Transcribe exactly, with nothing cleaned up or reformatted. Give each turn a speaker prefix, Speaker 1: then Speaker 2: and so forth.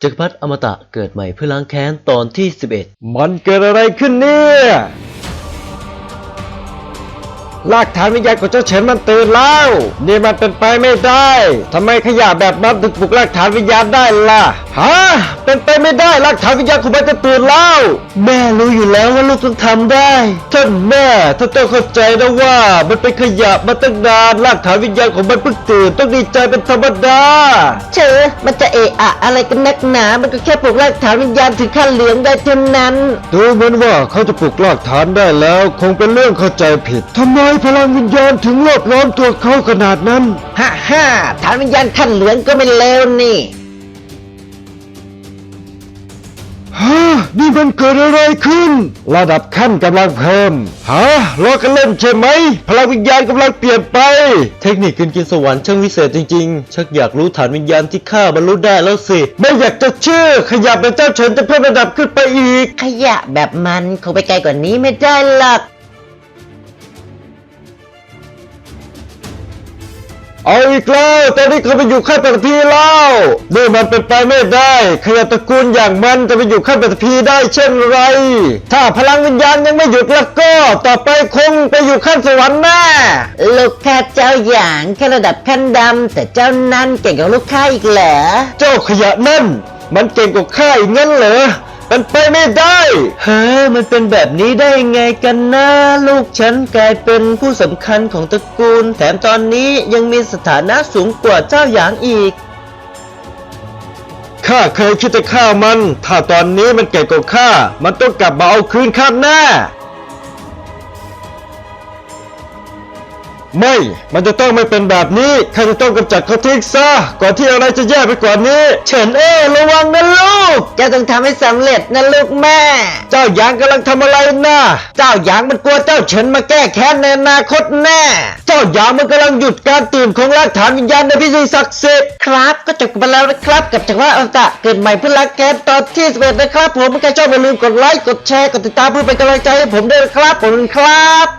Speaker 1: จักรพรรดิอมตะเกิดใหม่เพื่อล้างแค้นตอนที่สิบเอ็ด
Speaker 2: มันเกิดอะไรขึ้นเนี่ยรากฐานวิญญาณของเจ้าเฉินมันตื่นแล้วนี่มันเป็นไปไม่ได้ทำไมขยะแบบนั้นถึงปลุกรากฐานวิญญาณได้ล่ะฮะเป็นไปไม่ได้รากฐานวิญญาณของมันจะตื่นแล้วแม่รู้อยู่แล้วว่าลูกต้องทำได้ท่านแม่ท่านต้องเข้าใจนะว่ามันเป็นขยะมาตั้งนานรากฐานวิญญาณของมันเพิ่งตื่นต้องดีใจเป็นธรรมดา
Speaker 3: เชอมันจะเอะอะอะไรกันนักหนามันก็แค่ปลุกรากฐานวิญญาณถึงขั้นเหลืองได้เท่านั้น
Speaker 2: ดูเหมือนว่าเขาจะปลุกรากฐานได้แล้วคงเป็นเรื่องเข้าใจผิดทำไมพลังวิญญาณถึงรอบล้อมตัวเขาขนาดนั้น
Speaker 3: ฮ่าฮ่าฐานวิญญาณขั้นเหลืองก็ไม่เลวนี่
Speaker 2: ฮะนี่มันเกิดอะไรขึ้นระดับขั้นกำลังเพิ่มฮะล้อกันเล่นใช่ไหมพลังวิญญาณกำลังเปลี่ยนไป
Speaker 1: เทคนิคกินกินสวรรค์ช่างวิเศษจริงๆชักอยากรู้ฐานวิญญาณที่ข้าบรรลุได้แล้วสิ
Speaker 2: ไม่อยากจะเชื่อขยับเป็นเจ้าเฉินจะเพิ่มระดับขึ้นไปอีก
Speaker 3: ขยะแบบมันคงไปไกลกว่านี้ไม่ได้หรอก
Speaker 2: เอาอีกแล้วตอนนี้เขาไปอยู่ขั้นปฐพีแล้วนี่มันเป็นไปไม่ได้ขยะตระกูลอย่างมันจะไปอยู่ขั้นปฐพีได้เช่นไรถ้าพลังวิญญาณยังไม่หยุดแล้วก็ต่อไปคงไปอยู่ขั้นสวรรค์แน่
Speaker 3: ลูกค้าเจ้าอย่างแค่ระดับขั้นดำแต่เจ้านั้นเก่งกว่าลูกค้าอีกเหรอ
Speaker 2: เจ้าขยะนั่นมันเก่งกว่าข้าอีกงั้นเหรอเป็นไปไม่ได้
Speaker 1: เฮ้ยมันเป็นแบบนี้ได้ไงกันนะลูกฉันกลายเป็นผู้สำคัญของตระกูลแถมตอนนี้ยังมีสถานะสูงกว่าเจ้าหยางอีก
Speaker 2: ข้าเคยคิดจะฆ่ามันถ้าตอนนี้มันเก่งกว่าข้ามันต้องกลับมาเอาคืนข้าแน่ไม่มันจะต้องไม่เป็นแบบนี้ข้าจะต้องกำจัดเขาทิ้งซะก่อนที่อะไรจะแย่ไปกว่านี้
Speaker 3: เฉินเอ้ระวังนะลูกเจ้าต้องทำให้สำเร็จนะลูกแม่
Speaker 2: เจ้าหยางกำลังทำอะไรนะ
Speaker 3: เจ้าหยางมันกลัวเจ้าเฉินมาแก้แค้นในอนาคตแน่
Speaker 2: เจ้าหยางมันกำลังหยุดการตื่นของรากฐานวิญญาณในพิธีศักดิ์สิทธิ์
Speaker 3: ครับก็จบไปแล้วนะครับกับจักรวรรดิอมตะเกิดใหม่เพื่อล้างแค้นตอนที่สิบเอ็ดนะครับผมถ้าใครชอบอย่าลืมกดไลค์กดแชร์กดติดตามเพื่อเป็นกำลังใจให้ผมด้วยนะครับขอบคุณครับ